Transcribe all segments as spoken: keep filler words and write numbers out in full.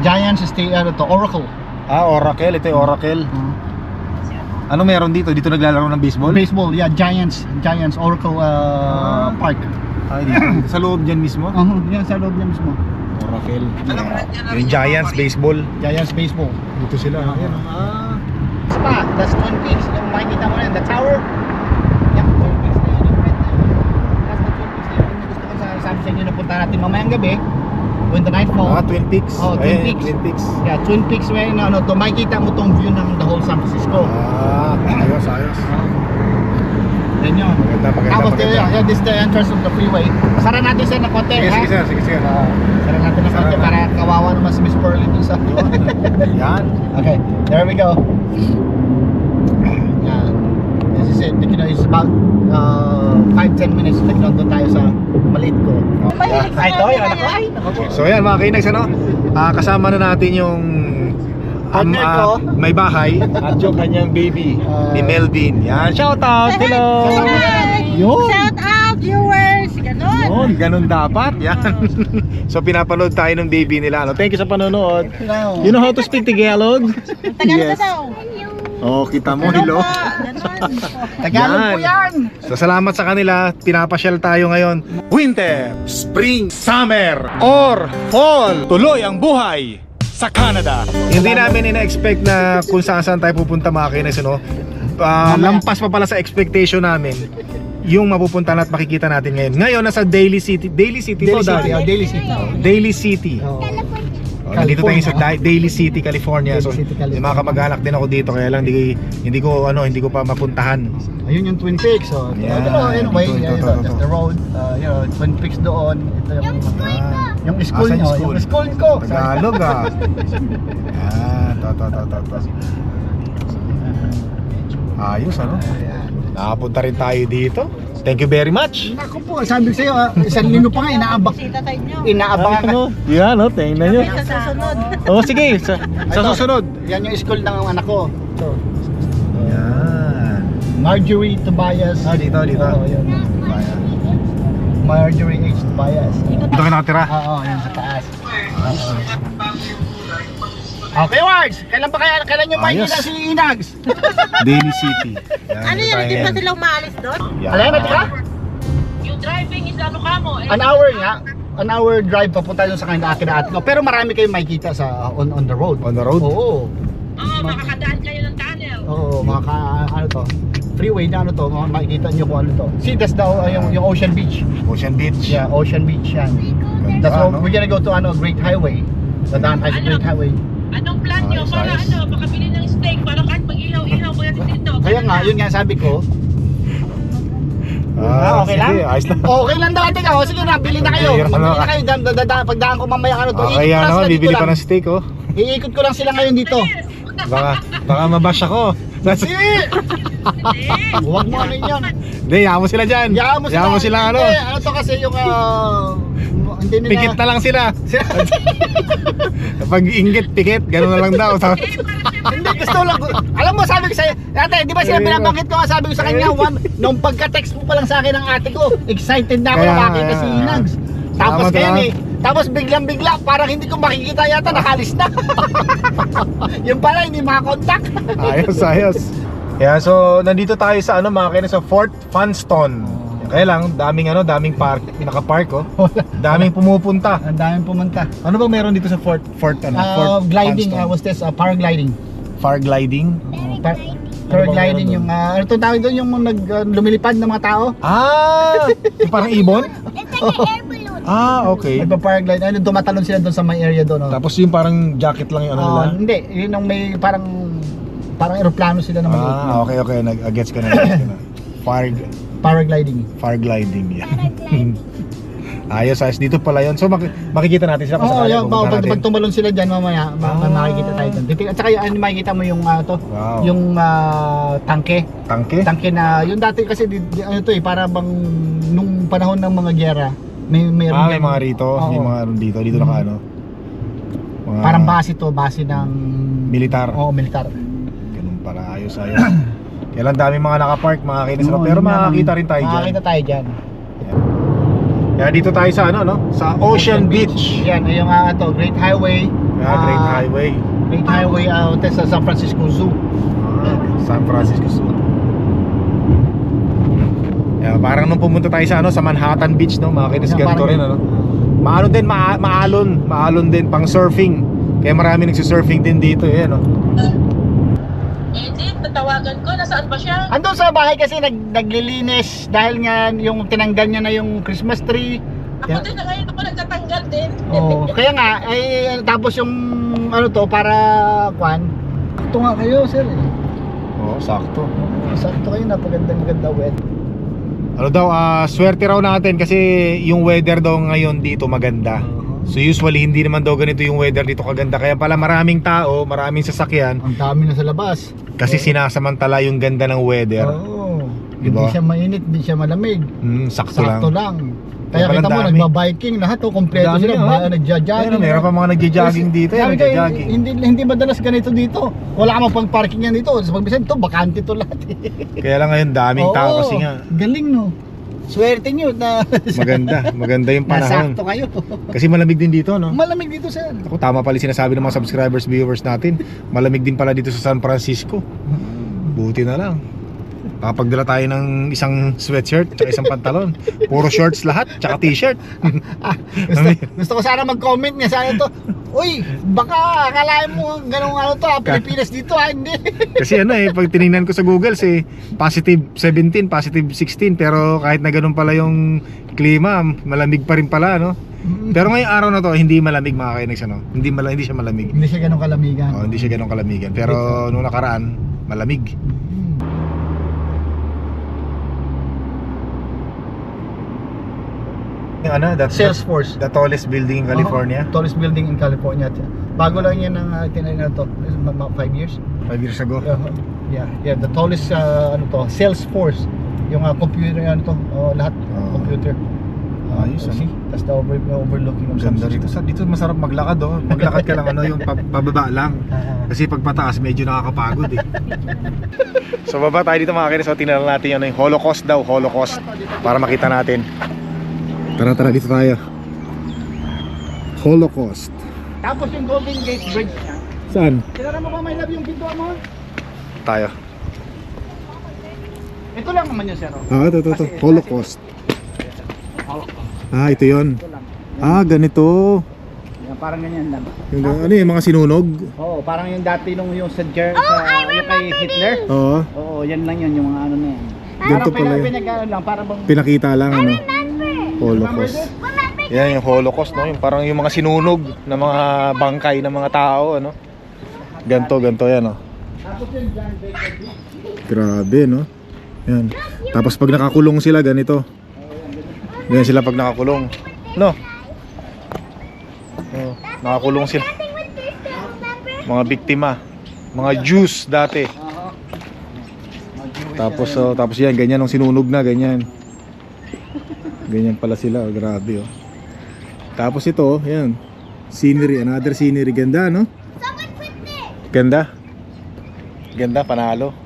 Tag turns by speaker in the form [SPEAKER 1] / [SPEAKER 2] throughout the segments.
[SPEAKER 1] Giants is the, ano to, Oracle.
[SPEAKER 2] Ah, Oracle. Ito yung Oracle.
[SPEAKER 1] Uh,
[SPEAKER 2] Ano meron dito? Dito naglalaro ng baseball?
[SPEAKER 1] baseball, yeah, Giants. Giants, Oracle uh, Park.
[SPEAKER 2] Ay, dito. Sa loob dyan mismo?
[SPEAKER 1] Uh, yan, sa loob niya mismo.
[SPEAKER 2] Oracle. Yung Giants baseball.
[SPEAKER 1] Giants Baseball.
[SPEAKER 2] Dito sila. Ayan.
[SPEAKER 1] Ah. Spa, that's Twin Peaks. Yung makikita mo na yun, the tower. Yung Twin Peaks na yun, yung red na yun. That's the Twin Peaks na yun. Yung gusto ko sa sabi sa inyo na punta natin mamayang gabi. When the night falls.
[SPEAKER 2] Ah, Twin Peaks.
[SPEAKER 1] Oh, Twin
[SPEAKER 2] Ayan,
[SPEAKER 1] Peaks.
[SPEAKER 2] Twin Peaks.
[SPEAKER 1] Yeah, Twin Peaks where na ano, to makikita mo tong view ng the whole San Francisco.
[SPEAKER 2] Ah, ayos, ayos.
[SPEAKER 1] Yan yun.
[SPEAKER 2] Maganda, maganda,
[SPEAKER 1] Tapos
[SPEAKER 2] maganda.
[SPEAKER 1] yeah, yeah, this is the entrance of the freeway. Sara natin sir na konti,
[SPEAKER 2] Sige,
[SPEAKER 1] ha?
[SPEAKER 2] sige sir, sige, sige.
[SPEAKER 1] Ah, Sara natin na
[SPEAKER 2] Sara
[SPEAKER 1] konti
[SPEAKER 2] na.
[SPEAKER 1] para kawawa naman si Miss Pearly dun sa
[SPEAKER 2] Yan.
[SPEAKER 1] Okay, there we go. Yan. This is it. You know, it's about uh, five to ten minutes. Like, doon tayo sa maliit ko.
[SPEAKER 3] Mahilig sa
[SPEAKER 1] Ay, ito,
[SPEAKER 3] mga
[SPEAKER 1] yan. Ako,
[SPEAKER 3] ganyan.
[SPEAKER 1] ay, ako po.
[SPEAKER 2] So yan mga kainags, ano? Ah, kasama na natin yung um,
[SPEAKER 1] Partner
[SPEAKER 2] ah,
[SPEAKER 1] ko.
[SPEAKER 2] may bahay at yung kanyang baby
[SPEAKER 1] Ah.
[SPEAKER 2] ni Melvin. Yan, shout out. Hello.
[SPEAKER 3] Hi!
[SPEAKER 2] Yun.
[SPEAKER 3] Shout out viewers! Ganon!
[SPEAKER 2] Yun, ganun dapat. Yan. So pinapanood tayo ng baby nila. Ano? Thank you sa panonood.
[SPEAKER 1] Hello.
[SPEAKER 2] You know how to speak Tagalog?
[SPEAKER 3] Tagalog na daw.
[SPEAKER 2] Oh, kita mo, hello.
[SPEAKER 3] Ganon.
[SPEAKER 1] Tagalog po yan.
[SPEAKER 2] So salamat sa kanila, pinapasyal tayo ngayon. Winter, spring, summer, or fall. Tuloy ang buhay sa Canada. Hindi namin ina-expect na kung saan saan tayo pupunta mga kinis, no? Ah, lampas pa pala sa expectation namin yung mapupuntahan at makikita natin ngayon. Ngayon nasa Daly City. Daly City
[SPEAKER 1] Daly
[SPEAKER 2] to,
[SPEAKER 1] City.
[SPEAKER 2] Daddy.
[SPEAKER 1] Oh, Daly City.
[SPEAKER 2] Daly City.
[SPEAKER 1] Oh.
[SPEAKER 2] Oh, nandito tayo sa
[SPEAKER 1] California.
[SPEAKER 2] Da- Daly City, California. So,
[SPEAKER 1] Daly City, California.
[SPEAKER 2] may mga kamag-anak din ako dito kaya lang hindi, hindi ko ano, hindi ko pa mapuntahan.
[SPEAKER 1] Ayun yung Twin Peaks. So,
[SPEAKER 2] Yeah,
[SPEAKER 1] ito, anyway,
[SPEAKER 2] ito, ito,
[SPEAKER 1] yeah,
[SPEAKER 2] ito,
[SPEAKER 1] ito,
[SPEAKER 2] ito.
[SPEAKER 1] just the road. Uh, you know, Twin Peaks doon. Ito yung,
[SPEAKER 2] Ah,
[SPEAKER 1] yung school
[SPEAKER 2] Asan
[SPEAKER 1] nyo.
[SPEAKER 2] yung school?
[SPEAKER 1] Yung school ko.
[SPEAKER 2] Tagalog ah. Yan, to, to, to, to, to. Ayos ano? Nakapunta rin tayo dito. Thank you very much.
[SPEAKER 1] Naku po, sabi ko sa'yo, ah, isang lino pa nga, inaabang.
[SPEAKER 3] Sita tayo nyo.
[SPEAKER 1] Inaabangan ka.
[SPEAKER 2] Yan no, tingnan nyo.
[SPEAKER 3] Sa susunod.
[SPEAKER 2] Oh sige, sa, sa
[SPEAKER 1] Ito.
[SPEAKER 2] susunod.
[SPEAKER 1] Yan yung school ng anak ko. Ito.
[SPEAKER 2] Yan.
[SPEAKER 1] Marjorie Tobias.
[SPEAKER 2] Ah, dito, dito.
[SPEAKER 1] Oo, yun. Marjorie H. Tobias.
[SPEAKER 2] Dito ka nakatira.
[SPEAKER 1] Oo, yan sa taas. Okay, Wards! Kailan pa kaya, kailan nyo
[SPEAKER 2] Ayos.
[SPEAKER 1] makikita si Inags?
[SPEAKER 2] Daly City. Yan,
[SPEAKER 3] Ano
[SPEAKER 2] dito
[SPEAKER 3] yan?
[SPEAKER 2] tayo
[SPEAKER 3] Hindi pa
[SPEAKER 2] ngayon.
[SPEAKER 3] sila umaalis doon?
[SPEAKER 2] Yan.
[SPEAKER 1] Alam mo, ka?
[SPEAKER 4] Yung driving is ano ka mo? Eh,
[SPEAKER 1] An hour nga. An hour drive papunta dun sa kanila akin at no. Pero marami kayong makikita sa on on the road.
[SPEAKER 2] On the road?
[SPEAKER 1] Oo.
[SPEAKER 4] Oo, makakadaan kayo ng tunnel.
[SPEAKER 1] Oo, mga ka, ano to? Freeway na ano to, mga makikita nyo kung ano to. See, that's the, uh, yung, yung Ocean Beach.
[SPEAKER 2] Ocean Beach.
[SPEAKER 1] Yeah, Ocean Beach yan.
[SPEAKER 2] Ganda,
[SPEAKER 1] That's what
[SPEAKER 2] no?
[SPEAKER 1] we're gonna go to ano, Great Highway. Dadaan tayo sa
[SPEAKER 4] Ano?
[SPEAKER 1] Great Highway.
[SPEAKER 4] Anong plan nyo
[SPEAKER 2] Ayos,
[SPEAKER 4] para
[SPEAKER 2] ayos.
[SPEAKER 4] ano, makabili ng steak para kahit mag-ihaw-ihaw mo natin dito?
[SPEAKER 1] Kaya nga, yun nga sabi ko.
[SPEAKER 2] Ah,
[SPEAKER 1] okay
[SPEAKER 2] sige,
[SPEAKER 1] lang?
[SPEAKER 2] ayos na.
[SPEAKER 1] Okay lang daw, tika. O sige na, bili na kayo.
[SPEAKER 2] Okay,
[SPEAKER 1] Bili
[SPEAKER 2] ano?
[SPEAKER 1] na kayo. Dan, dan, dan, pagdaan ko mamaya ano to.
[SPEAKER 2] Ah,
[SPEAKER 1] Iikot
[SPEAKER 2] kaya
[SPEAKER 1] ko lang
[SPEAKER 2] naman,
[SPEAKER 1] sila dito
[SPEAKER 2] bibili pa
[SPEAKER 1] lang.
[SPEAKER 2] ng steak oh.
[SPEAKER 1] Iikot ko lang sila ngayon dito.
[SPEAKER 2] Baka, baka mabash ako.
[SPEAKER 1] Hindi! Huwag mo ano yun.
[SPEAKER 2] Hindi, yaman mo sila dyan.
[SPEAKER 1] Yaman mo sila.
[SPEAKER 2] Yaman mo sila ano.
[SPEAKER 1] Hindi, ano to kasi yung ah, hindi nila.
[SPEAKER 2] Pikit na lang sila. Pag inggit, pikit, gano'n na lang daw.
[SPEAKER 1] Hindi, gusto lang. Alam mo, sabi ko sa'yo, ate, di ba sila
[SPEAKER 2] Ayun.
[SPEAKER 1] binabanggit ko nga, sabi ko sa kanya, one, nung pagka-text mo pa lang sa akin ng ate ko, excited na ako
[SPEAKER 2] Kaya
[SPEAKER 1] na
[SPEAKER 2] nga,
[SPEAKER 1] makita si
[SPEAKER 2] kaya nga.
[SPEAKER 1] Inags. Tapos
[SPEAKER 2] Salamat,
[SPEAKER 1] kaya
[SPEAKER 2] ah.
[SPEAKER 1] eh, tapos biglang-bigla, parang hindi ko makikita yata, nakalis na. Yung pala, hindi makakontakt.
[SPEAKER 2] Ayos, ayos. Yeah, so nandito tayo sa ano mga kainis, sa Fort Funston. Kaya lang, daming ano, daming park, naka-park oh. Daming pumupunta.
[SPEAKER 1] Ang daming pumunta.
[SPEAKER 2] Ano ba meron dito sa Fort Fort ano?
[SPEAKER 1] Uh,
[SPEAKER 2] Fort
[SPEAKER 1] gliding,
[SPEAKER 2] Funston?
[SPEAKER 1] uh, was this, uh, paragliding.
[SPEAKER 2] Far gliding.
[SPEAKER 1] Uh, par- paragliding yung, uh, ano itong tawag doon, yung nag, uh, lumilipad ng mga tao.
[SPEAKER 2] Ah, yung parang ibon? Ah, okay.
[SPEAKER 1] Nagpa-paraglide, ano, tumatalon sila doon sa may area doon. Oh.
[SPEAKER 2] Tapos yung parang jacket lang yung ano nila.
[SPEAKER 1] Ah, hindi, yun yung may parang parang eroplano sila na maliit.
[SPEAKER 2] Ah, okay, okay. Nag-gets ka na. Gets ka na. Far,
[SPEAKER 1] Paragliding.
[SPEAKER 2] far gliding yan. Ayos, ayos. Dito pala yun. So mak- makikita natin sila kung
[SPEAKER 1] Oo,
[SPEAKER 2] sakali
[SPEAKER 1] yung
[SPEAKER 2] pupunta
[SPEAKER 1] pag,
[SPEAKER 2] natin.
[SPEAKER 1] pag tumalon sila diyan mamaya, ma-
[SPEAKER 2] Ah.
[SPEAKER 1] makikita tayo doon. Titig- At saka yung, ano, makikita mo yung ah, to,
[SPEAKER 2] Wow.
[SPEAKER 1] yung ah, tangke.
[SPEAKER 2] Tangke?
[SPEAKER 1] Tangke na yung dati kasi di, di- ano to eh, para bang nung panahon ng mga giyera, may may
[SPEAKER 2] Ah, may mga rito.
[SPEAKER 1] Oo.
[SPEAKER 2] Yung mga ano dito. Dito naka ano. Mga
[SPEAKER 1] Parang base to, base ng
[SPEAKER 2] militar.
[SPEAKER 1] Oo, militar.
[SPEAKER 2] Ganun pala. Ayos, ayos. Kaya lang dami mga nakapark, mga kinis.
[SPEAKER 1] Oo,
[SPEAKER 2] Pero
[SPEAKER 1] yun nga
[SPEAKER 2] makakita
[SPEAKER 1] lang.
[SPEAKER 2] rin tayo dyan.
[SPEAKER 1] Makakita tayo diyan.
[SPEAKER 2] Kaya dito tayo sa ano, no? Sa Ocean Beach.
[SPEAKER 1] Yan, yung ah, to, Great Highway.
[SPEAKER 2] Ah, Great Highway.
[SPEAKER 1] Great Highway out sa San Francisco Zoo.
[SPEAKER 2] Ah, San Francisco Zoo. Yeah, parang nung pumunta tayo sa ano sa Manhattan Beach, no, mga kinis,
[SPEAKER 1] Yeah,
[SPEAKER 2] ganito
[SPEAKER 1] parang-
[SPEAKER 2] rin ano. Maano din, ma maalon, maalon din pang surfing. Kaya marami nagsi-surfing din dito, eh, no.
[SPEAKER 4] Edith, tatawagan ko. Nasaan ba siya?
[SPEAKER 1] Andun sa bahay kasi nag naglilinis dahil nga yung tinanggal niya na yung Christmas tree.
[SPEAKER 4] Ako
[SPEAKER 1] Yeah.
[SPEAKER 4] din na ngayon ako nagtatanggal din.
[SPEAKER 1] Oh, kaya nga ay tapos yung ano to para kwan. Ito nga kayo, sir. eh.
[SPEAKER 2] Oo, sakto.
[SPEAKER 1] Sakto kayo, napagandang maganda wet.
[SPEAKER 2] Ano daw, ah, swerte raw natin kasi yung weather daw ngayon dito maganda. So usually hindi naman daw ganito yung weather dito kaganda. Kaya pala maraming tao, maraming sasakyan
[SPEAKER 1] Ang dami na sa labas.
[SPEAKER 2] kasi sinasamantala yung ganda ng weather.
[SPEAKER 1] Oo.
[SPEAKER 2] Diba?
[SPEAKER 1] Hindi siya mainit, hindi siya malamig.
[SPEAKER 2] Hmm, sakto,
[SPEAKER 1] Sakto
[SPEAKER 2] lang.
[SPEAKER 1] lang. Kaya
[SPEAKER 2] Walang
[SPEAKER 1] kita mo,
[SPEAKER 2] dami.
[SPEAKER 1] nagba-biking lahat, oh, kompleto
[SPEAKER 2] Dami
[SPEAKER 1] sila,
[SPEAKER 2] na, oh.
[SPEAKER 1] ba- nagja-jogging.
[SPEAKER 2] Ayun, meron pa mga nagja-jogging dito, eh,
[SPEAKER 1] Sabi ko,
[SPEAKER 2] nagja-jogging.
[SPEAKER 1] Hindi, hindi madalas ganito dito. Wala ka pang parking yan dito. Sa pagbisan to, bakante to lahat. eh.
[SPEAKER 2] Kaya lang ngayon daming tao
[SPEAKER 1] Oo,
[SPEAKER 2] kasi nga
[SPEAKER 1] galing no. Swerte nyo na
[SPEAKER 2] maganda, maganda yung panahon.
[SPEAKER 1] nasakto kayo.
[SPEAKER 2] Kasi malamig din dito, no?
[SPEAKER 1] Malamig dito, sir.
[SPEAKER 2] Ako, tama pala yung sinasabi ng mga subscribers, viewers natin. Malamig din pala dito sa San Francisco. Buti na lang. Kapagdala tayo ng isang sweatshirt at isang pantalon. Puro shorts lahat, tsaka t-shirt.
[SPEAKER 1] Ah, gusto, gusto ko sana mag-comment niya sana to. Uy, baka akalain mo ganung ano to, ah, Pilipinas dito ah, hindi.
[SPEAKER 2] Kasi ano eh, pag tinignan ko sa Google, si positive seventeen, positive sixteen. Pero kahit na ganun pala yung klima, malamig pa rin pala, no? Pero ngayong araw na to, hindi malamig mga kainags, ano? Hindi, mala, hindi siya malamig.
[SPEAKER 1] Hindi siya ganong kalamigan.
[SPEAKER 2] Oh, hindi siya ganun kalamigan. Pero nung nakaraan, malamig. Yung ano, that,
[SPEAKER 1] Salesforce.
[SPEAKER 2] the tallest building in California.
[SPEAKER 1] Oh, tallest building in California. Bago lang yan ng uh, tinayin na to. Mga five years.
[SPEAKER 2] Five years ago.
[SPEAKER 1] Uh, yeah, yeah, the tallest uh, ano to, Salesforce. Yung uh, computer ano to, oh, lahat
[SPEAKER 2] Oh.
[SPEAKER 1] computer.
[SPEAKER 2] Ayos,
[SPEAKER 1] Uh, see, that's the over, overlooking of
[SPEAKER 2] Ganda
[SPEAKER 1] San
[SPEAKER 2] rito. Sa dito masarap maglakad, oh. Maglakad ka lang ano, yung pa- pababa lang. Kasi pag pataas medyo nakakapagod eh. So baba tayo dito mga kinis. So tingnan natin yung, yung Holocaust daw, Holocaust. Para makita natin. Tara tara dito tayo. Holocaust.
[SPEAKER 1] Tapos yung Golden Gate Bridge niya.
[SPEAKER 2] Saan?
[SPEAKER 1] Kilala mo ba may love yung pintuan mo?
[SPEAKER 2] Tayo.
[SPEAKER 1] Ito lang naman yun, sir. oh.
[SPEAKER 2] Ah, ito, ito, ito.
[SPEAKER 1] Kasi-
[SPEAKER 2] Holocaust.
[SPEAKER 1] Holocaust.
[SPEAKER 2] Ah, ito yun.
[SPEAKER 1] Ito lang.
[SPEAKER 2] Ah, ganito.
[SPEAKER 1] Yan, parang ganyan lang.
[SPEAKER 2] Yung, ano yung mga sinunog?
[SPEAKER 1] Oo, parang yung dati nung yung sa Ger, sa yung kay Hitler.
[SPEAKER 2] Oo.
[SPEAKER 1] Oo, yan lang yun, yung mga ano na yan.
[SPEAKER 2] Ganito
[SPEAKER 1] Parang
[SPEAKER 2] pala
[SPEAKER 1] pinag-
[SPEAKER 2] yun.
[SPEAKER 1] pinag-ano lang, parang bang...
[SPEAKER 2] Pinakita lang ano.
[SPEAKER 1] Remember
[SPEAKER 2] Holocaust.
[SPEAKER 1] this?
[SPEAKER 2] Yan yung Holocaust, no? Yung parang yung mga sinunog na mga bangkay ng mga tao, ano? Ganto, ganto yan, no?
[SPEAKER 1] Tapos yung John Baker Beach.
[SPEAKER 2] Grabe, no? Yan. Tapos pag nakakulong sila, ganito. Ganyan sila pag nakakulong. No? Oh, nakakulong sila. Mga biktima. Mga Jews dati.
[SPEAKER 1] Oo.
[SPEAKER 2] Tapos, oh, tapos yan, ganyan ang sinunog na, ganyan. Ganyan pala sila, oh, grabe, oh. Tapos ito, oh, yan. Scenery, another scenery. Ganda, no? Ganda. Ganda, panalo.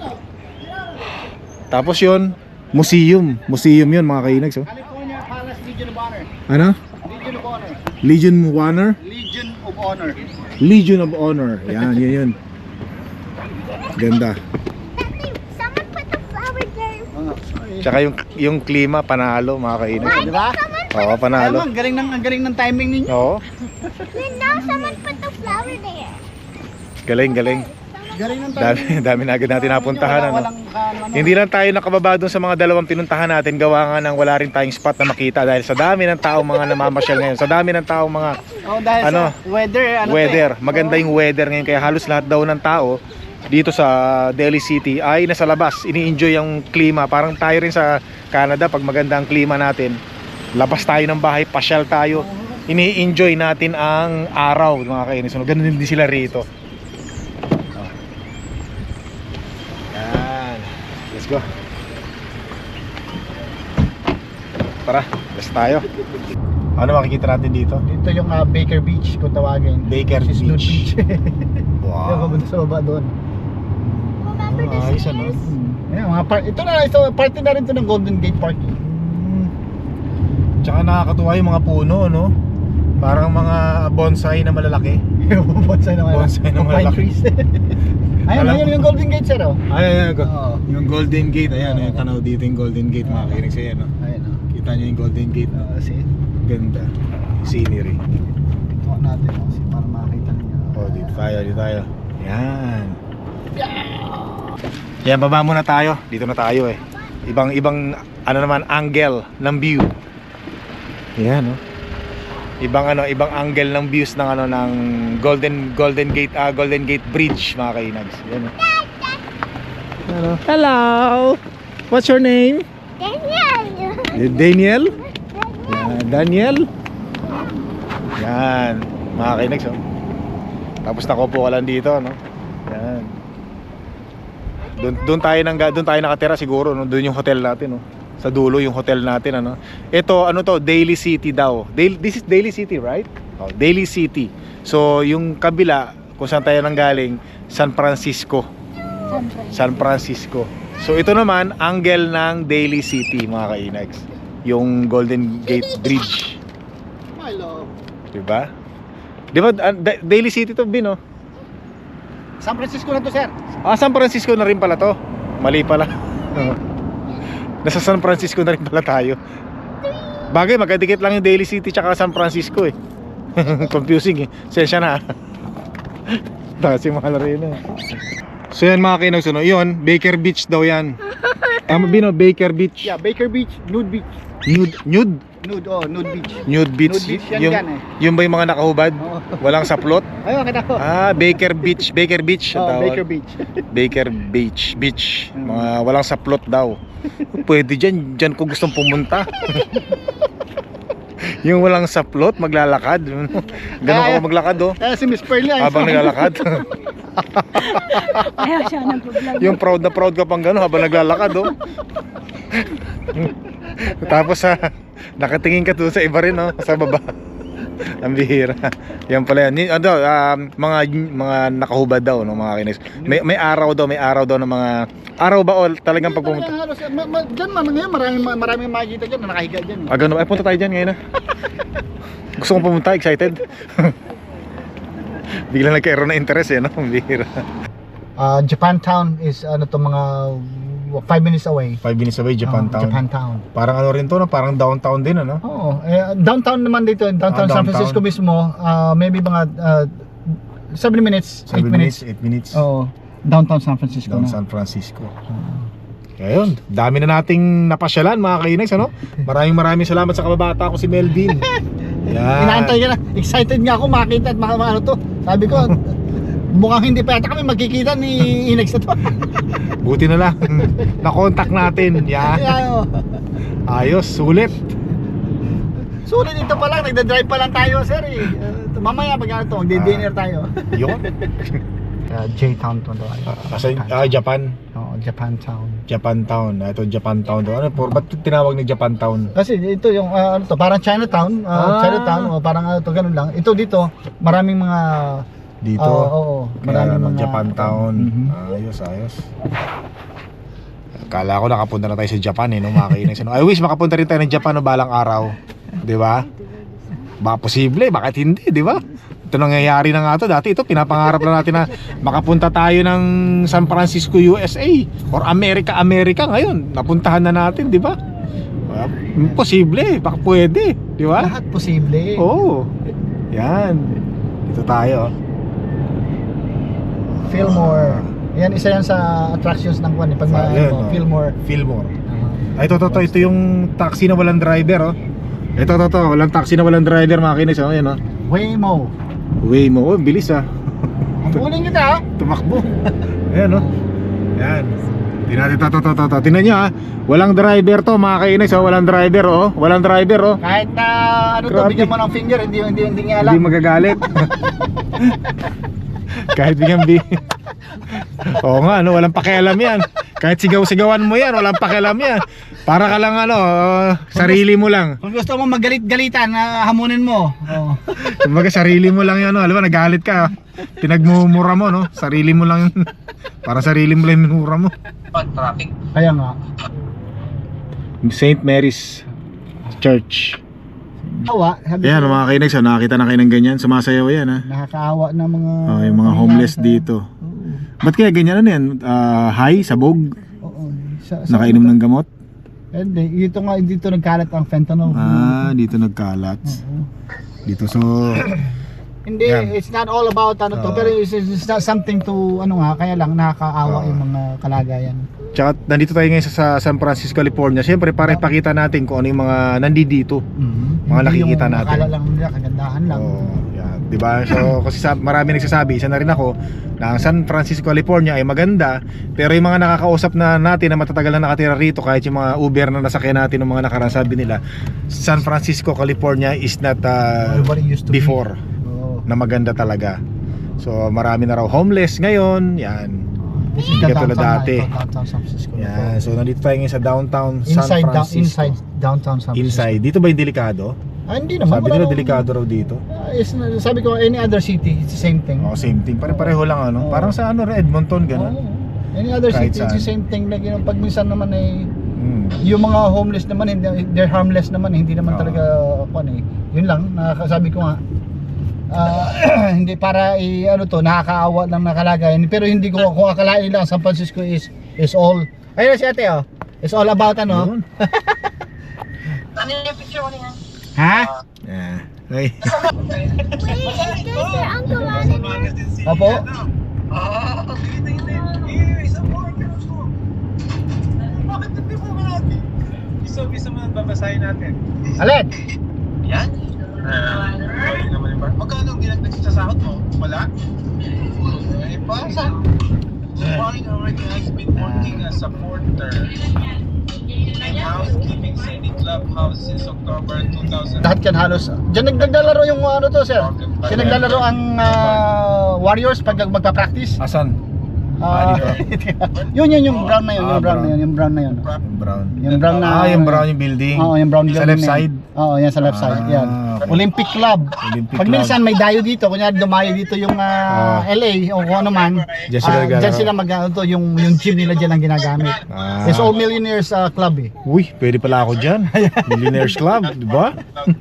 [SPEAKER 2] Tapos yun, museum. Museum yun, mga kainags, oh.
[SPEAKER 1] California Palace Legion of Honor.
[SPEAKER 2] Ano?
[SPEAKER 1] Legion of Honor.
[SPEAKER 2] Legion of Honor?
[SPEAKER 1] Legion of Honor.
[SPEAKER 2] Legion of Honor. Yan, yun yun. Ganda.
[SPEAKER 3] Someone put the flower there.
[SPEAKER 2] Tsaka yung, yung klima, panalo, mga kainags.
[SPEAKER 1] Di ba?
[SPEAKER 2] Oo,
[SPEAKER 1] Kaya
[SPEAKER 2] panalo.
[SPEAKER 1] mo, ang galing ng, ang galing ng timing ninyo.
[SPEAKER 2] Oo,
[SPEAKER 3] Then now someone put the flower there.
[SPEAKER 2] galing, galing.
[SPEAKER 1] Galing ng
[SPEAKER 2] Dami,
[SPEAKER 1] timing.
[SPEAKER 2] dami na agad natin napuntahan,
[SPEAKER 1] Wala-
[SPEAKER 2] ano?
[SPEAKER 1] Walang, ano,
[SPEAKER 2] Hindi lang tayo nakababa dun sa mga dalawang pinuntahan natin, gawa nga ng wala rin tayong spot na makita dahil sa dami ng taong mga namamasyal ngayon, sa dami ng taong mga
[SPEAKER 1] oh, dahil
[SPEAKER 2] ano,
[SPEAKER 1] sa weather, ano to
[SPEAKER 2] weather,
[SPEAKER 1] eh.
[SPEAKER 2] maganda yung weather ngayon kaya halos lahat daw ng tao dito sa Delhi City ay nasa labas, ini-enjoy yung klima. Parang tayo rin sa Canada, pag maganda ang klima natin, labas tayo ng bahay, pasyal tayo, ini-enjoy natin ang araw, mga kainis. So, ganun din sila rito. Yan. Let's go. Tara, let's tayo. Ano makikita natin dito?
[SPEAKER 1] Dito yung uh, Baker Beach kung tawagin.
[SPEAKER 2] Baker
[SPEAKER 1] Which is Nude
[SPEAKER 2] Beach.
[SPEAKER 1] Beach. Yung
[SPEAKER 2] Wow.
[SPEAKER 1] papunta sa baba doon.
[SPEAKER 3] Remember
[SPEAKER 2] Ah, ayos,
[SPEAKER 3] the
[SPEAKER 2] ano?
[SPEAKER 3] stairs?
[SPEAKER 1] Hmm. Ayan, mga par- ito na, ito, party na rin to ng Golden Gate Park.
[SPEAKER 2] Hmm. Tsaka nakakatuwa yung mga puno, no? Parang mga bonsai na malalaki.
[SPEAKER 1] Bonsai na malaki.
[SPEAKER 2] Bonsai na
[SPEAKER 1] Pine
[SPEAKER 2] malaki.
[SPEAKER 1] trees. Ayun,
[SPEAKER 2] Alam
[SPEAKER 1] ayun
[SPEAKER 2] ko.
[SPEAKER 1] yung Golden Gate, sir, oh.
[SPEAKER 2] Ay, ay, ay, go-
[SPEAKER 1] Oo.
[SPEAKER 2] yung Golden Gate, ayan, yung tanaw dito yung Golden Gate, mga kinig sa'yo, no?
[SPEAKER 1] Ayun, oh.
[SPEAKER 2] Kita nyo yung Golden Gate, no?
[SPEAKER 1] Uh, see?
[SPEAKER 2] Ganda. Scenery.
[SPEAKER 1] Ito natin, oh, see, para makita niyo.
[SPEAKER 2] Oh, dito tayo, dito tayo. Yan. Yan, baba muna tayo. Dito na tayo eh. Ibang, ibang, ano naman, angle ng view. Yan, no? Ibang ano, ibang angle ng views ng ano ng Golden Golden Gate ah, Golden Gate Bridge, mga kainags. Yan, oh. Hello. Hello. What's your name?
[SPEAKER 3] Daniel.
[SPEAKER 2] Daniel? Yan, Daniel. Yan, mga kainags, oh. Tapos nakupo ka lang dito, no? Yan. Doon doon tayo nang doon tayo nakatira siguro, no? Doon yung hotel natin, no? Sa dulo yung hotel natin, ano. Ito ano to, Daly City daw. Daly, this is Daly City, right? Oh, Daly City. So yung kabila kung saan tayo nanggaling, San Francisco. San Francisco. So ito naman angle ng Daly City, mga kainags. Yung Golden Gate Bridge.
[SPEAKER 1] My love.
[SPEAKER 2] 'Di ba? 'Di ba uh, Da- Daly City to, Bin, oh?
[SPEAKER 1] San Francisco na to, sir.
[SPEAKER 2] Ah, San Francisco na rin pala to. Mali pala. Nasa San Francisco na rin pala tayo. Bagay, magkadikit lang yung Daly City tsaka San Francisco eh. Confusing eh. Sensya na. Kasi mahal rin eh. So yan, mga kinags, ano, yun, Baker Beach daw yan. Tama, Bino, Baker Beach.
[SPEAKER 1] Yeah, Baker Beach, nude beach.
[SPEAKER 2] Nude, nude?
[SPEAKER 1] Nude, oh, nude beach.
[SPEAKER 2] Nude Beach.
[SPEAKER 1] Nude beach yan
[SPEAKER 2] yung,
[SPEAKER 1] dyan eh.
[SPEAKER 2] yung ba yung mga nakahubad?
[SPEAKER 1] Oo.
[SPEAKER 2] Walang saplot?
[SPEAKER 1] Ayun, kita ko.
[SPEAKER 2] Ah, Baker Beach. Baker Beach. ang
[SPEAKER 1] Oh,
[SPEAKER 2] tawag.
[SPEAKER 1] Baker Beach.
[SPEAKER 2] Baker Beach. Beach.
[SPEAKER 1] Mm.
[SPEAKER 2] Mga walang saplot daw. Pwede dyan. Dyan ko gustong pumunta. Yung walang saplot, maglalakad. Ganun ako maglakad, oh.
[SPEAKER 1] Eh, si Miss Pearly ay
[SPEAKER 2] Habang naglalakad.
[SPEAKER 3] Ayaw siya ng vlog.
[SPEAKER 2] Yung proud na proud ka pang gano'n habang naglalakad, oh. Tapos sa nakatingin ka doon sa iba rin, oh, sa baba. Ang bihira. Yan pala yan. Ni- Ano, um, mga mga nakahubad daw, no, mga kinis. May may araw daw, may araw daw ng mga araw ba o talagang pag pumunta?
[SPEAKER 1] Halos, ma, ma, dyan man, ngayon maraming, maraming makikita dyan na nakahiga dyan.
[SPEAKER 2] Ah, ganun. Ay, punta tayo dyan ngayon, ah. Gusto kong pumunta, excited. Bigla nagkaroon na interest, eh, no? Ang bihira.
[SPEAKER 1] Uh, Japantown is ano to mga five minutes away.
[SPEAKER 2] Five minutes away, Japantown.
[SPEAKER 1] Oh, Japantown.
[SPEAKER 2] Parang ano rin to, no? Parang downtown din, ano?
[SPEAKER 1] Oo. Eh, downtown naman dito. Downtown
[SPEAKER 2] Ah,
[SPEAKER 1] San
[SPEAKER 2] downtown.
[SPEAKER 1] Francisco mismo. Uh, maybe mga uh, seven minutes, eight
[SPEAKER 2] Seven
[SPEAKER 1] minutes.
[SPEAKER 2] minutes, eight minutes.
[SPEAKER 1] Oo. Downtown San Francisco
[SPEAKER 2] Down
[SPEAKER 1] na.
[SPEAKER 2] San Francisco. Kaya yun, dami na nating napasyalan, mga kainags, ano? Maraming maraming salamat sa kababata ko si Melvin. Yan.
[SPEAKER 1] Inaantay ka na. Excited nga ako makita at maka ano to. Sabi ko, mukhang hindi pa yata kami magkikita ni Inex na to.
[SPEAKER 2] Buti na lang. Na-contact natin. Yan.
[SPEAKER 1] Kaya, oh.
[SPEAKER 2] Ayos, sulit.
[SPEAKER 1] Sulit ito pa lang, nagda-drive pa lang tayo, sir eh. Uh, mamaya pag ano to, magdi-dinner tayo.
[SPEAKER 2] Yun.
[SPEAKER 1] Uh, J-Town to.
[SPEAKER 2] Kasi ah, Japan.
[SPEAKER 1] Oo, Japantown.
[SPEAKER 2] Japantown. Ah, ito Japantown to. Ano po? Ba't tinawag ni Japantown?
[SPEAKER 1] Kasi ito yung uh, ano to, parang Chinatown, uh,
[SPEAKER 2] Ah.
[SPEAKER 1] Chinatown o parang ano to, ganun lang. Ito dito, maraming mga
[SPEAKER 2] Dito.
[SPEAKER 1] Oo, oo.
[SPEAKER 2] Kaya
[SPEAKER 1] Maraming
[SPEAKER 2] ano,
[SPEAKER 1] mga
[SPEAKER 2] Japantown.
[SPEAKER 1] Mhm.
[SPEAKER 2] Ayos, ayos. Kala ko nakapunta na tayo sa Japan eh, no, mga kainags. I wish makapunta rin tayo ng Japan no, balang araw. Di ba? Baka posible, bakit hindi, di ba? Ito nangyayari na nga to. Dati ito, pinapangarap na natin na makapunta tayo ng San Francisco, U S A or America, America. Ngayon, napuntahan na natin, di ba? Uh, posible, baka pwede, di ba?
[SPEAKER 1] lahat posible.
[SPEAKER 2] Oo. Yan. Dito tayo.
[SPEAKER 1] Fillmore. Yan, isa yan sa attractions ng kwan. eh, Pag
[SPEAKER 2] Ah,
[SPEAKER 1] ma-
[SPEAKER 2] yan,
[SPEAKER 1] ano,
[SPEAKER 2] oh.
[SPEAKER 1] Fillmore.
[SPEAKER 2] Fillmore.
[SPEAKER 1] Uh,
[SPEAKER 2] Ay, ito, ito, ito, ito yung taxi na walang driver, oh. Ito, ito, ito, walang taxi na walang driver, mga kinis, oh. Ayan, oh.
[SPEAKER 1] Waymo.
[SPEAKER 2] Way mo, oh, bilis, ah.
[SPEAKER 1] Kunin kita, ha?
[SPEAKER 2] Tumakbo. Ayan, oh. Yan. Tingnan natin, ito, ito, ito, ito. Tingnan nyo, ah. Walang driver to, mga kinis, oh. Walang driver, oh. Walang driver, oh.
[SPEAKER 1] Kahit na ano to,
[SPEAKER 2] Grabe.
[SPEAKER 1] bigyan mo ng finger, hindi hindi hindi niya alam.
[SPEAKER 2] Hindi magagalit. Kahit bigyan bi. Oo nga, ano, walang pakialam yan. Kahit sigaw-sigawan mo yan, walang pakialam yan. Para ka lang ano, uh, sarili mo lang.
[SPEAKER 1] Kung gusto mo magalit-galitan, na hamunin mo. Oh.
[SPEAKER 2] Kumbaga sarili mo lang yan, no? Alam mo, nagalit ka. Pinagmumura mo, no? Sarili mo lang yun. Para sarili mo lang yung minura mo.
[SPEAKER 4] Traffic.
[SPEAKER 1] Kaya nga.
[SPEAKER 2] Saint Mary's Church.
[SPEAKER 1] Awa, sabi
[SPEAKER 2] Ayan
[SPEAKER 1] ko,
[SPEAKER 2] mga kainex, oh, nakakita na kayo ng ganyan. Sumasayaw yan ha.
[SPEAKER 1] nakakaawa na mga
[SPEAKER 2] Oh, yung mga homeless dito.
[SPEAKER 1] Oo.
[SPEAKER 2] Ba't kaya ganyan ano yan? Ah, high, sabog,
[SPEAKER 1] Oo. Sa, sa,
[SPEAKER 2] nakainom ng gamot?
[SPEAKER 1] Hindi, ito nga dito nagkalat ang fentanyl.
[SPEAKER 2] Ah, dito nagkalat.
[SPEAKER 1] Oo.
[SPEAKER 2] Dito so
[SPEAKER 1] Hindi,
[SPEAKER 2] Yan.
[SPEAKER 1] it's not all about ano to,
[SPEAKER 2] Oo.
[SPEAKER 1] pero it's, it's not something to ano nga, kaya lang nakakaawa
[SPEAKER 2] Oo.
[SPEAKER 1] yung mga kalagayan.
[SPEAKER 2] tsaka nandito tayo ngayon sa, sa San Francisco, California. Siyempre para ipakita natin kung ano yung mga nandito.
[SPEAKER 1] Mm-hmm.
[SPEAKER 2] Mga nakikita natin.
[SPEAKER 1] Akala lang nila, kagandahan lang.
[SPEAKER 2] Oh, yan, 'di ba? So kasi sa, marami nagsasabi, isa na rin ako, na ang San Francisco, California ay maganda, pero yung mga nakakausap na natin na matatagal na nakatira rito, kahit yung mga Uber na nasakyan natin ng mga nakaraan, sabi nila, San Francisco, California is not uh,
[SPEAKER 1] What it used to be.
[SPEAKER 2] before
[SPEAKER 1] Oo.
[SPEAKER 2] na maganda talaga. So marami na raw homeless ngayon, yan.
[SPEAKER 1] This
[SPEAKER 2] Hindi
[SPEAKER 1] the
[SPEAKER 2] katulad
[SPEAKER 1] downtown,
[SPEAKER 2] dati.
[SPEAKER 1] ito, downtown San Francisco.
[SPEAKER 2] Yan. So nandito tayo ngayon sa downtown San
[SPEAKER 1] Inside, down,
[SPEAKER 2] Francisco.
[SPEAKER 1] inside downtown San Francisco.
[SPEAKER 2] Inside. Dito ba yung delikado?
[SPEAKER 1] Ah, hindi naman.
[SPEAKER 2] Sabi
[SPEAKER 1] wala
[SPEAKER 2] nila
[SPEAKER 1] namang-
[SPEAKER 2] delikado raw dito.
[SPEAKER 1] Ah, is- sabi ko, any other city, it's the same thing.
[SPEAKER 2] Oh, same thing. Pare-pareho lang ano.
[SPEAKER 1] Oo.
[SPEAKER 2] Parang sa ano, Edmonton ganun.
[SPEAKER 1] Oo. Any other
[SPEAKER 2] Kahit
[SPEAKER 1] city, it's the
[SPEAKER 2] saan.
[SPEAKER 1] same thing. Like, you know, pag minsan naman ay,
[SPEAKER 2] Hmm.
[SPEAKER 1] yung mga homeless naman, hindi, they're harmless naman, hindi naman
[SPEAKER 2] Oo.
[SPEAKER 1] talaga, ano eh. Yun lang, nakakasabi ko nga, ah, hindi para i, ano to, nakakaawa lang nakalagayan. Pero hindi ko, kung akalain nila, San Francisco is, is all, ayun si ate oh, is all about ano.
[SPEAKER 2] Yun.
[SPEAKER 4] Ano yung picture mo niya?
[SPEAKER 1] Ha?
[SPEAKER 2] Yeah. Ay.
[SPEAKER 3] Wait, is this your Uncle Ronnie?
[SPEAKER 1] Opo?
[SPEAKER 4] Ah, hindi, hindi. Eh, isa mo, gusto mo. Bakit hindi mo natin?
[SPEAKER 5] Gusto, gusto mo nang babasahin natin?
[SPEAKER 1] Alin?
[SPEAKER 5] Yan? Ah, uh, naman yung bar. Magkano ang ginagdag sa sahod mo? Wala? Eh, basa. Foreign already has been working as a porter in housekeeping city clubhouse since October two thousand.
[SPEAKER 1] Lahat yan halos. Diyan naglalaro yung ano to sir. Diyan naglalaro ang ah, Warriors pag magpa-practice.
[SPEAKER 2] Asan?
[SPEAKER 1] Ah, yun yun yung brown na yun,
[SPEAKER 2] Ah,
[SPEAKER 1] yung brown na
[SPEAKER 2] brown.
[SPEAKER 1] yun, yung brown na yun.
[SPEAKER 2] Yung brown.
[SPEAKER 1] Yung brown na.
[SPEAKER 2] Ah, yung brown yung building.
[SPEAKER 1] Oo, yung brown
[SPEAKER 2] Sa
[SPEAKER 1] building
[SPEAKER 2] left
[SPEAKER 1] na yun.
[SPEAKER 2] side.
[SPEAKER 1] Oo, yan sa left side.
[SPEAKER 2] Ah,
[SPEAKER 1] Yan.
[SPEAKER 2] okay.
[SPEAKER 1] Olympic Club.
[SPEAKER 2] Olympic
[SPEAKER 1] Pag
[SPEAKER 2] Club.
[SPEAKER 1] minsan may dayo dito, kunyari dumayo dito yung ah,
[SPEAKER 2] Ah.
[SPEAKER 1] L A o kung ano man.
[SPEAKER 2] Diyan sila
[SPEAKER 1] ah,
[SPEAKER 2] naglalaro.
[SPEAKER 1] Diyan sila mag ano to, yung yung gym nila diyan ang ginagamit.
[SPEAKER 2] Ah.
[SPEAKER 1] It's all millionaires ah, club eh.
[SPEAKER 2] Uy, pwede pala ako dyan. Millionaires Club, di ba?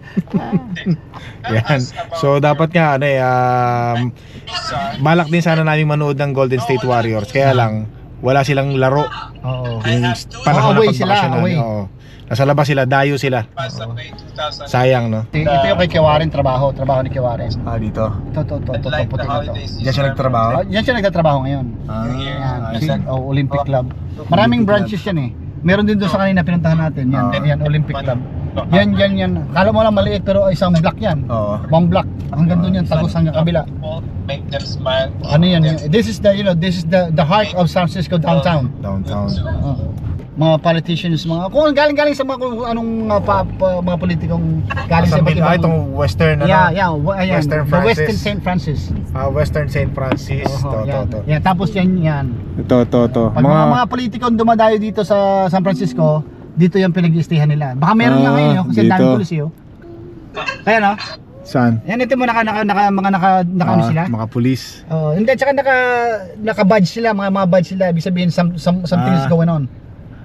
[SPEAKER 2] Yan. So dapat nga ano eh, um, balak din sana namin manood ng Golden State Warriors. Kaya lang wala silang laro.
[SPEAKER 1] Oo.
[SPEAKER 2] Yung panahon
[SPEAKER 1] Oh, away
[SPEAKER 2] na
[SPEAKER 1] sila,
[SPEAKER 2] pagbakasyon
[SPEAKER 1] away.
[SPEAKER 2] namin. Oo. Nasa labas sila, dayo sila.
[SPEAKER 5] Basta May two thousand.
[SPEAKER 2] Sayang no.
[SPEAKER 1] Ito ito yung kay Kiwaren trabaho, trabaho ni Kiwaren.
[SPEAKER 2] Ah, dito.
[SPEAKER 1] Ito to to to, to
[SPEAKER 5] Like
[SPEAKER 1] puti
[SPEAKER 5] the
[SPEAKER 1] na to.
[SPEAKER 5] holiday season.
[SPEAKER 2] Diyan siya nagtrabaho?
[SPEAKER 1] Ah, yan siya nagtatrabaho ngayon.
[SPEAKER 2] Ah,
[SPEAKER 1] Yan,
[SPEAKER 2] ayos.
[SPEAKER 1] si- oh, Olympic Club. Maraming branches yan eh. Meron din doon sa kanina pinuntahan natin. Yan,
[SPEAKER 2] Ah.
[SPEAKER 1] yan Olympic Club. Yan, yan, yan. Kala mo lang maliit pero isang block yan.
[SPEAKER 2] Oo.
[SPEAKER 1] One block. Hanggang doon yan, tagos hanggang kabila.
[SPEAKER 5] Make them smile.
[SPEAKER 1] Ano yan? This is the, you know, this is the the heart of San Francisco downtown.
[SPEAKER 2] Downtown.
[SPEAKER 1] Oh. Mga politicians, mga kung galing-galing sa mga kung anong uh, pa, pa- mga politikong galing sa
[SPEAKER 2] Sa
[SPEAKER 1] iba't
[SPEAKER 2] ah,
[SPEAKER 1] ibang-
[SPEAKER 2] itong Western ano?
[SPEAKER 1] Yeah, yeah, wa- ayan,
[SPEAKER 2] Western
[SPEAKER 1] the
[SPEAKER 2] Francis.
[SPEAKER 1] Western Saint Francis.
[SPEAKER 2] Ah, Western Saint Francis.
[SPEAKER 1] Oo,
[SPEAKER 2] to, to,
[SPEAKER 1] yan.
[SPEAKER 2] to.
[SPEAKER 1] Yan, tapos yan, yan.
[SPEAKER 2] Ito, to, to.
[SPEAKER 1] Pag mga, mga politikong dumadayo dito sa San Francisco, dito yung pinag-iistihan nila. Baka meron
[SPEAKER 2] Ah,
[SPEAKER 1] na ngayon, oh, kasi ang
[SPEAKER 2] dito.
[SPEAKER 1] daming pulis yun. Kaya no?
[SPEAKER 2] Saan?
[SPEAKER 1] Yan, ito mo naka, naka, naka, mga naka, naka ano
[SPEAKER 2] Ah,
[SPEAKER 1] sila?
[SPEAKER 2] mga pulis.
[SPEAKER 1] Oh, hindi, tsaka naka, naka-badge sila, mga mga badge sila. Ibig sabihin, some, some, something is
[SPEAKER 2] Ah.
[SPEAKER 1] going on.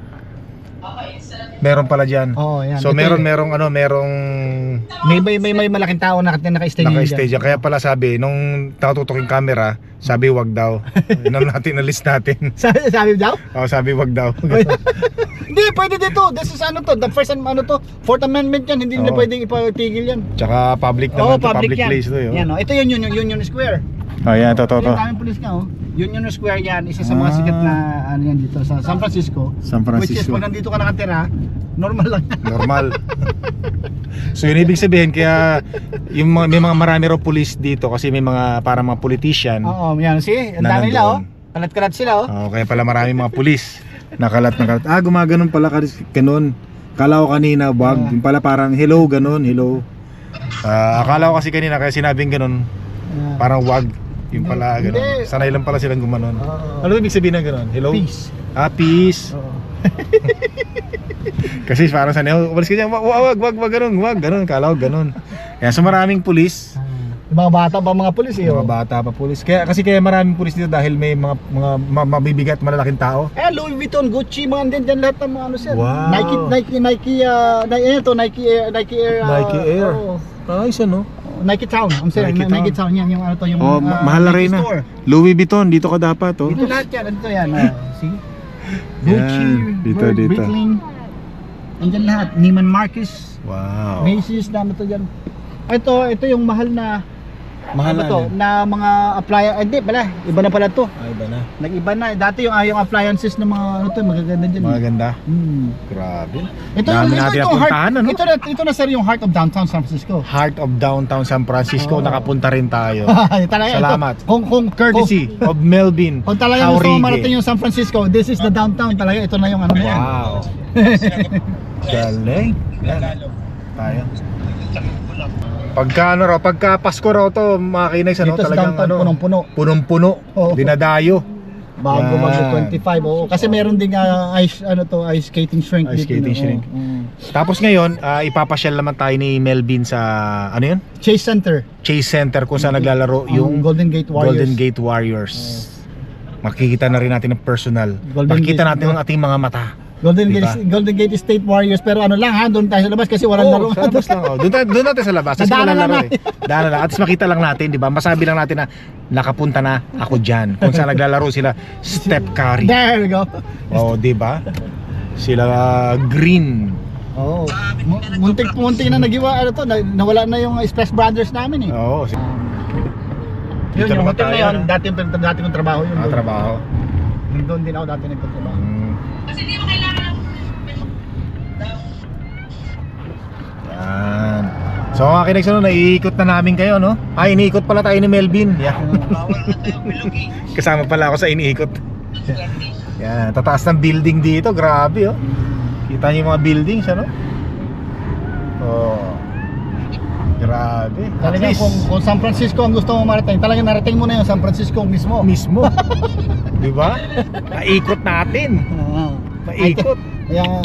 [SPEAKER 2] Meron pala diyan.
[SPEAKER 1] Oo, yan.
[SPEAKER 2] So
[SPEAKER 1] Ito
[SPEAKER 2] meron
[SPEAKER 1] yun.
[SPEAKER 2] merong ano, merong
[SPEAKER 1] May, may, may, may malaking tao na naka-stay
[SPEAKER 2] naka-stay dyan. Kaya pala sabi nung nakatutok yung camera, sabi wag daw. Yun ang natin na list natin.
[SPEAKER 1] Sabi, sabi daw?
[SPEAKER 2] Oh, sabi wag daw.
[SPEAKER 1] Hindi, pwede dito. This is ano to, the first and ano to, Fourth Amendment yan. Hindi nila
[SPEAKER 2] Oo.
[SPEAKER 1] pwedeng ipatigil yan.
[SPEAKER 2] Tsaka public
[SPEAKER 1] Oo,
[SPEAKER 2] naman to,
[SPEAKER 1] public,
[SPEAKER 2] public
[SPEAKER 1] yan.
[SPEAKER 2] place to, yo.
[SPEAKER 1] Yan, oh. Ito yun, yun, yun, Union Square.
[SPEAKER 2] Oh, yan, to, to, to.
[SPEAKER 1] Yung daming pulis nga, oh. Union Square yan, isa sa mga
[SPEAKER 2] Ah.
[SPEAKER 1] sikat na ano yan dito sa San Francisco.
[SPEAKER 2] San
[SPEAKER 1] Which is
[SPEAKER 2] Francisco.
[SPEAKER 1] pag nandito ka nakatira, normal lang.
[SPEAKER 2] Normal. So yun ibig sabihin kaya yung mga, may mga marami raw pulis dito kasi may mga para mga politician.
[SPEAKER 1] Oo, yan. See, ang
[SPEAKER 2] Na
[SPEAKER 1] dami nila, oh.
[SPEAKER 2] nandoon.
[SPEAKER 1] Kalat-kalat sila, oh.
[SPEAKER 2] Oh, kaya pala marami mga pulis. Nakalat na kalat. Ah, gumaganon pala kasi ganun. Kala ko kanina wag,
[SPEAKER 1] Ah.
[SPEAKER 2] yung pala parang hello ganun, hello. Ah, akala ko kasi kanina kaya sinabing ganun,
[SPEAKER 1] Yan.
[SPEAKER 2] parang wag. Yung pala
[SPEAKER 1] Hindi.
[SPEAKER 2] ganun. Sanay lang pala silang gumanon.
[SPEAKER 1] Oo.
[SPEAKER 2] Ano ibig sabihin ng ganun? Hello?
[SPEAKER 1] Peace.
[SPEAKER 2] Ah, peace.
[SPEAKER 1] Oo.
[SPEAKER 2] Kasi parang sanay, oh, umalis ka dyan, wag, wag, wag, wag, ganun, wag, ganun, kala ko ganun. Kaya so maraming pulis.
[SPEAKER 1] Yung mga bata pa mga pulis eh.
[SPEAKER 2] Mga
[SPEAKER 1] oh.
[SPEAKER 2] bata pa pulis. Kaya kasi kaya maraming pulis dito dahil may mga mga ma- mabibigat malalaking tao.
[SPEAKER 1] Eh, Louis Vuitton, Gucci, mga din dyan lahat ng mga ano sir.
[SPEAKER 2] Wow.
[SPEAKER 1] Nike, Nike, Nike, uh, Nike, ano to, Nike Air, Nike Air. uh,
[SPEAKER 2] Nike Air.
[SPEAKER 1] oh.
[SPEAKER 2] Ayos ano?
[SPEAKER 1] Nike Town, I'm saying,
[SPEAKER 2] Nike
[SPEAKER 1] Nike,
[SPEAKER 2] Town.
[SPEAKER 1] Town, yan, yung ano to, yung
[SPEAKER 2] Oh,
[SPEAKER 1] uh,
[SPEAKER 2] ma- mahal na rin
[SPEAKER 1] Nike
[SPEAKER 2] na.
[SPEAKER 1] store.
[SPEAKER 2] Louis Vuitton, dito ka dapat oh.
[SPEAKER 1] Dito lahat yan, dito yan. Uh, see? Gucci,
[SPEAKER 2] Yan, dito,
[SPEAKER 1] Bird,
[SPEAKER 2] dito.
[SPEAKER 1] Breitling. Andyan lahat. Neiman Marcus,
[SPEAKER 2] Wow.
[SPEAKER 1] Macy's, na ano to dyan. Ito, ito yung mahal na,
[SPEAKER 2] Mahal
[SPEAKER 1] ano
[SPEAKER 2] na
[SPEAKER 1] to,
[SPEAKER 2] ano?
[SPEAKER 1] na mga appliances. Hindi pala, iba na pala to.
[SPEAKER 2] Ay, ba na?
[SPEAKER 1] Nag-iba na. Dati yung, ah, yung appliances ng mga ano to, magaganda dyan.
[SPEAKER 2] Mga ganda.
[SPEAKER 1] Hmm.
[SPEAKER 2] Grabe.
[SPEAKER 1] Ito,
[SPEAKER 2] Dami
[SPEAKER 1] ito,
[SPEAKER 2] natin
[SPEAKER 1] ito,
[SPEAKER 2] napuntahan,
[SPEAKER 1] heart,
[SPEAKER 2] ano?
[SPEAKER 1] ito, na, ito na sir yung heart of downtown San Francisco.
[SPEAKER 2] Heart of Downtown San Francisco,
[SPEAKER 1] Oh.
[SPEAKER 2] nakapunta rin tayo.
[SPEAKER 1] Talaga,
[SPEAKER 2] Salamat.
[SPEAKER 1] Ito, kung, kung,
[SPEAKER 2] Courtesy of Melvin
[SPEAKER 1] Kung, kung talaga gusto mo
[SPEAKER 2] Jaurige.
[SPEAKER 1] marating yung San Francisco, this is the downtown talaga. Ito na yung ano na yan.
[SPEAKER 2] Wow. Galing. Yan. Tayo. Pagka ano raw, pagka Pasko raw to, mga kinags, ano,
[SPEAKER 1] Dito sa
[SPEAKER 2] talagang
[SPEAKER 1] downtown,
[SPEAKER 2] ano,
[SPEAKER 1] punong-puno.
[SPEAKER 2] punong-puno,
[SPEAKER 1] Oo.
[SPEAKER 2] dinadayo.
[SPEAKER 1] Bago
[SPEAKER 2] Yan.
[SPEAKER 1] mag twenty-five. Oo. Kasi meron ding ah, ice, ano to, ice skating shrink.
[SPEAKER 2] Ice
[SPEAKER 1] dito,
[SPEAKER 2] skating
[SPEAKER 1] no?
[SPEAKER 2] shrink.
[SPEAKER 1] Oo, oo.
[SPEAKER 2] Tapos ngayon, ah, ipapasyal naman tayo ni Melvin sa, ano yun?
[SPEAKER 1] Chase Center.
[SPEAKER 2] Chase Center kung saan naglalaro
[SPEAKER 1] Ang
[SPEAKER 2] yung
[SPEAKER 1] Golden Gate Warriors.
[SPEAKER 2] Golden Gate Warriors. Makikita na rin natin ng personal.
[SPEAKER 1] Golden
[SPEAKER 2] Makikita
[SPEAKER 1] Gate-
[SPEAKER 2] natin ang ating mga mata.
[SPEAKER 1] Golden
[SPEAKER 2] Diba?
[SPEAKER 1] Gate Golden Gate State Warriors, pero ano lang ha, doon tayo sa labas kasi walang laro.
[SPEAKER 2] Oo, sa labas lang. Oh. Doon, tayo- doon natin sa labas. Kasi
[SPEAKER 1] Nadaanan
[SPEAKER 2] walang
[SPEAKER 1] lang
[SPEAKER 2] laro eh. Daanan lang. At least makita lang natin, di ba? Masabi lang natin na nakapunta na ako dyan. Kung saan naglalaro sila, Steph Curry.
[SPEAKER 1] There we go.
[SPEAKER 2] Oh, di ba? Sila uh, Green.
[SPEAKER 1] Oo. Oh. Muntik muntik na nagiwa ano to, na- nawala na yung Splash Brothers namin eh.
[SPEAKER 2] Oo. si-
[SPEAKER 1] Yun,
[SPEAKER 2] Dito
[SPEAKER 1] yung
[SPEAKER 2] naman
[SPEAKER 1] hotel na
[SPEAKER 2] tayo,
[SPEAKER 1] yun,
[SPEAKER 2] no?
[SPEAKER 1] dati yung dati kong trabaho yun.
[SPEAKER 2] Mga
[SPEAKER 1] doon.
[SPEAKER 2] trabaho.
[SPEAKER 1] Doon din ako dati nagtatrabaho.
[SPEAKER 2] Mm. Yan. So mga kinags, ano, naiikot na namin kayo, no? Ay, iniikot pala tayo ni Melvin. Yeah.
[SPEAKER 5] Bawal na tayo bilog eh.
[SPEAKER 2] Kasama pala ako sa iniikot. Yan, tataas ng building dito, grabe oh. Kita niyo yung mga buildings, ano? Oh. Grabe. At
[SPEAKER 1] Talaga
[SPEAKER 2] least,
[SPEAKER 1] kung, kung San Francisco ang gusto mo marating, talaga narating mo na yung San Francisco mismo.
[SPEAKER 2] mismo. Di ba? Naikot natin.
[SPEAKER 1] Oo.
[SPEAKER 2] Naikot.
[SPEAKER 1] Kaya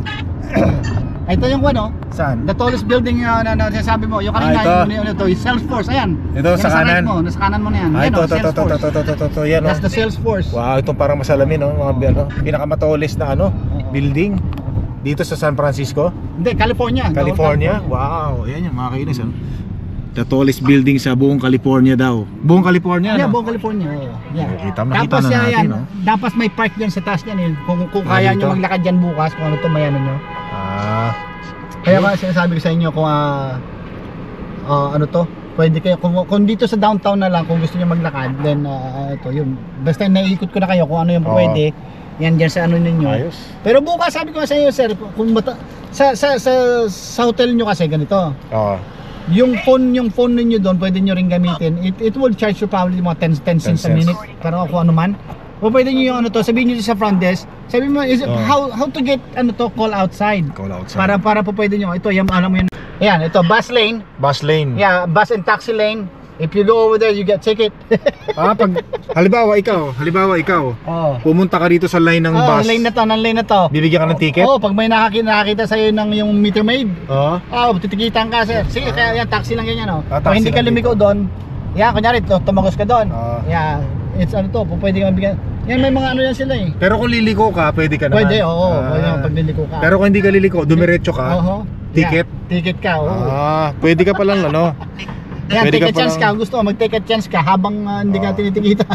[SPEAKER 1] ito yung ano,
[SPEAKER 2] Saan?
[SPEAKER 1] the tallest building uh, na, na sinasabi mo, yung
[SPEAKER 2] Ah,
[SPEAKER 1] kanina,
[SPEAKER 2] ito.
[SPEAKER 1] yung, yung, ito, yung Salesforce, ayan.
[SPEAKER 2] Ito,
[SPEAKER 1] Yan
[SPEAKER 2] sa
[SPEAKER 1] right
[SPEAKER 2] kanan.
[SPEAKER 1] mo, nasa kanan mo na yan.
[SPEAKER 2] Ah,
[SPEAKER 1] Yan,
[SPEAKER 2] ito,
[SPEAKER 1] oh,
[SPEAKER 2] ito, ito, ito,
[SPEAKER 1] Salesforce.
[SPEAKER 2] ito, ito, ito, ito, yan
[SPEAKER 1] That's
[SPEAKER 2] oh.
[SPEAKER 1] the Salesforce.
[SPEAKER 2] Wow, itong parang masalamin, no? Mga ano, pinakamatoles na ano,
[SPEAKER 1] Oo.
[SPEAKER 2] building dito sa San Francisco,
[SPEAKER 1] Hindi, California.
[SPEAKER 2] California. Wow, yan yung mga kainis, ano? The tallest building sa buong California daw. Buong California,
[SPEAKER 1] Yeah,
[SPEAKER 2] no?
[SPEAKER 1] buong California. Oh. Yeah.
[SPEAKER 2] Nakita- nakita
[SPEAKER 1] Tapos
[SPEAKER 2] na
[SPEAKER 1] yan,
[SPEAKER 2] natin,
[SPEAKER 1] yan,
[SPEAKER 2] no?
[SPEAKER 1] dapat may park dyan sa taas yan. Eh. Kung, kung
[SPEAKER 2] Ah,
[SPEAKER 1] kaya
[SPEAKER 2] dito?
[SPEAKER 1] nyo maglakad dyan bukas, kung ano to may ano nyo.
[SPEAKER 2] Ah,
[SPEAKER 1] Kaya ba sinasabi ko sa inyo kung ah, ah, ano to, pwede kayo, kung, kung dito sa downtown na lang, kung gusto nyo maglakad, then ah, ito yun. Basta naiikot ko na kayo kung ano yung
[SPEAKER 2] Oo.
[SPEAKER 1] pwede. Yan dyan sa ano ninyo.
[SPEAKER 2] ayos.
[SPEAKER 1] Pero bukas sabi ko sa inyo sir, kung mata, sa, sa, sa, sa hotel nyo kasi ganito.
[SPEAKER 2] Oo.
[SPEAKER 1] Yung phone, yung phone ninyo doon, pwede nyo rin gamitin. It, it will charge you probably mga ten, ten cents a
[SPEAKER 2] cents.
[SPEAKER 1] minute. Para kung ano man. O pwede nyo yung ano to, sabihin nyo sa front desk. Sabi mo, is it,
[SPEAKER 2] Oh.
[SPEAKER 1] how how to get ano to, call outside.
[SPEAKER 2] Call outside.
[SPEAKER 1] Para para po pwede nyo. Ito, yan, alam mo yun. Ayan, ito, bus lane.
[SPEAKER 2] Bus lane.
[SPEAKER 1] Yeah, bus and taxi lane. If you go over there, you get ticket.
[SPEAKER 2] Ah, pag halimbawa ikaw, halimbawa ikaw,
[SPEAKER 1] Oh.
[SPEAKER 2] pumunta ka dito sa line ng
[SPEAKER 1] Oh,
[SPEAKER 2] bus.
[SPEAKER 1] lane na to, ng lane na to.
[SPEAKER 2] Bibigyan ka ng ticket?
[SPEAKER 1] Oo, oh, pag may nakakita, nakakita sa'yo ng yung meter maid.
[SPEAKER 2] Oo.
[SPEAKER 1] Oh, titikitan ka sir. Sige, kaya yan, taxi lang yan, oh.
[SPEAKER 2] Ah,
[SPEAKER 1] Kung
[SPEAKER 2] taxi
[SPEAKER 1] hindi ka
[SPEAKER 2] lang
[SPEAKER 1] lumiko doon, yan, kunyari, to, tumagos ka doon.
[SPEAKER 2] Ah.
[SPEAKER 1] Yeah, it's ano to, kung pwede ka mabigyan. Yan, may mga ano yan sila eh.
[SPEAKER 2] Pero kung liliko ka, pwede ka naman.
[SPEAKER 1] Pwede, oo,
[SPEAKER 2] Ah.
[SPEAKER 1] pwede naman pag niliko ka.
[SPEAKER 2] Pero kung hindi ka liliko, dumiretso ka.
[SPEAKER 1] Oo.
[SPEAKER 2] ticket?
[SPEAKER 1] Yeah, ticket ka, oo.
[SPEAKER 2] Ah, pwede ka palang ano.
[SPEAKER 1] Yan,
[SPEAKER 2] pwede
[SPEAKER 1] take
[SPEAKER 2] ka
[SPEAKER 1] a chance
[SPEAKER 2] palang-
[SPEAKER 1] ka, gusto mo, mag-take a chance ka habang ah, hindi
[SPEAKER 2] Oo.
[SPEAKER 1] ka tinitikitan.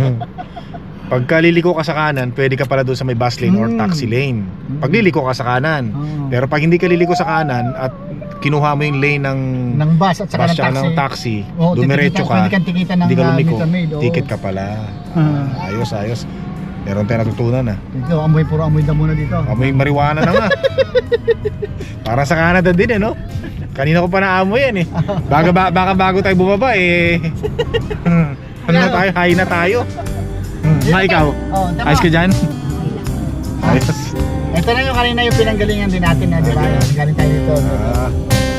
[SPEAKER 2] Pagka liliko ka sa kanan, pwede ka pala doon sa may bus lane or
[SPEAKER 1] Hmm.
[SPEAKER 2] taxi lane. Pag liliko ka sa kanan.
[SPEAKER 1] Oo.
[SPEAKER 2] Pero pag hindi ka liliko sa kanan at kinuha mo yung lane ng
[SPEAKER 1] ng bus at saka
[SPEAKER 2] bus
[SPEAKER 1] ng
[SPEAKER 2] tsaka
[SPEAKER 1] taxi.
[SPEAKER 2] ng taxi,
[SPEAKER 1] Oo,
[SPEAKER 2] dumiretso
[SPEAKER 1] titikitan-
[SPEAKER 2] ka,
[SPEAKER 1] Pwede kang tikitan ng
[SPEAKER 2] hindi ka
[SPEAKER 1] ah,
[SPEAKER 2] lumiko,
[SPEAKER 1] meter maid. oo.
[SPEAKER 2] ticket ka pala.
[SPEAKER 1] Ah.
[SPEAKER 2] Ayos, ayos. Meron tayong natutunan ah.
[SPEAKER 1] Ito, amoy, puro amoy damo na dito.
[SPEAKER 2] Amoy marijuana na nga. Para sa Canada din eh, no? Kanina ko pa naamoy yan eh. Baka, ba, baka bago tayo bumaba eh. Ano na tayo? High na tayo. Hmm, Ma, ikaw?
[SPEAKER 1] Oh, tama.
[SPEAKER 2] Ayos ka dyan? Ayos.
[SPEAKER 1] Ito na yung kanina yung pinanggalingan din natin na, di ba? Galing tayo dito.
[SPEAKER 2] Ah,